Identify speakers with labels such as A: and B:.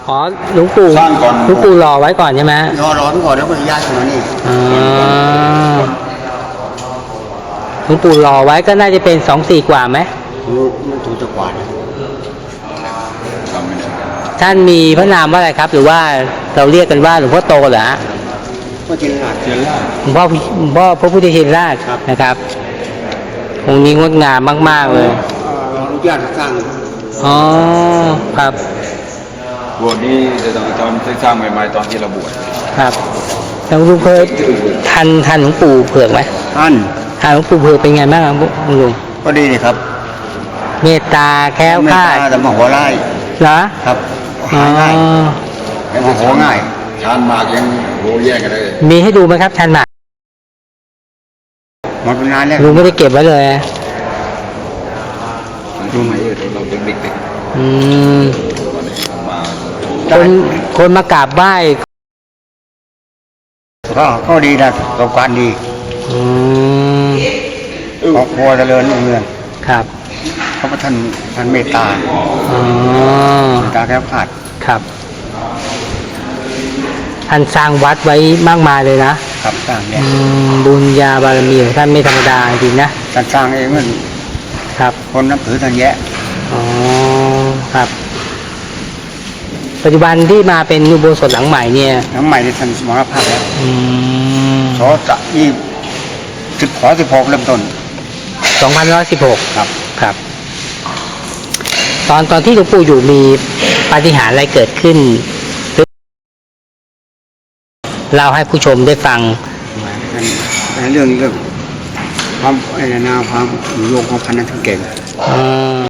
A: อ๋อหลวงปู่
B: สร้างก่อน
A: หลวงปู่รอไว้ก่อนใช่ไหม
B: รอไปก่อนแล้วก็ย้ายมานี่
A: อ๋อหลวงปู่รอไว้ก็น่าจะเป็น24 กว่าไหม
B: มันถูกจะกว่านะจำไม่ได้
A: ท่านมีพระนามว่าอะไรครับ หรือว่าเราเรียกกันว่าหลวงพ่อโตเหรอฮะ
B: ก็จินราชเจริญราช
A: หลวงพ่อพระพุทธชินราช
B: ครับ
A: นะครับองค์นี้งดงามมากๆเลย
B: อนุญาตสร้าง
A: อ๋อครับ
C: บวชนี่จะตอนสร้างใหม่ๆตอนที่เราบวช
A: ครับแล้วลุงเคยทันหลวงปู่เผือกไหม
B: ท่าน
A: ทันหลวงปู่เผือกเป็นไงบ้างครับลุง
B: ก็ดีเลยครับ
A: เมตตาแคล้วคลาด
B: แต่มาหัวไล่
A: เหรอ
B: ครับ
A: อ๋อ
B: หาง่ายแต่มาหัวง่าย
C: ชานหมากยังโหแยกกันเลย
A: มีให้ดูไหมครับชันหมาก
B: หมดไปนานแล้ว
A: ลุงไม่ได้เก็บไว้เลย
C: รู้ไหมเราเป็นเด็ก
A: อืม
C: ๆมา
A: คนมากราบไหว้
B: ก็ดีนะประสบการณ์ดี
A: อืม
B: ครอบครัวเจริญรุ่งเรือง
A: ครับ
B: เพราะว่าท่านเมตตา
A: อ๋อ
B: เมตตาแคล้วคลาด
A: ครับท่านสร้างวัดไว้มากมายเลยนะครับ
B: สร้างเนี่ย
A: บุญญาบารมีของท่านไม่ธรรมดาจริงนะ
B: ท่านสร้างเองมัน
A: ครับ
B: คนนับถือท่านแยะ
A: อ๋อครับ ปัจจุบันที่มาเป็นอุโบสถหลังใหม่เนี่ย
B: น้ำใหม่ที่ท่านสมรภาพแล้ว
A: อืม
B: สอจะ16เริ่มต้น
A: 2516
B: ครับ
A: ครับ ตอนที่หลวงปู่อยู่มีปาฏิหาริย์อะไรเกิดขึ้นเล่าให้ผู้ชมได้ฟัง
B: เป็นเรื่องความความโยงของพันนั้นทั้งเก่ง
A: อืม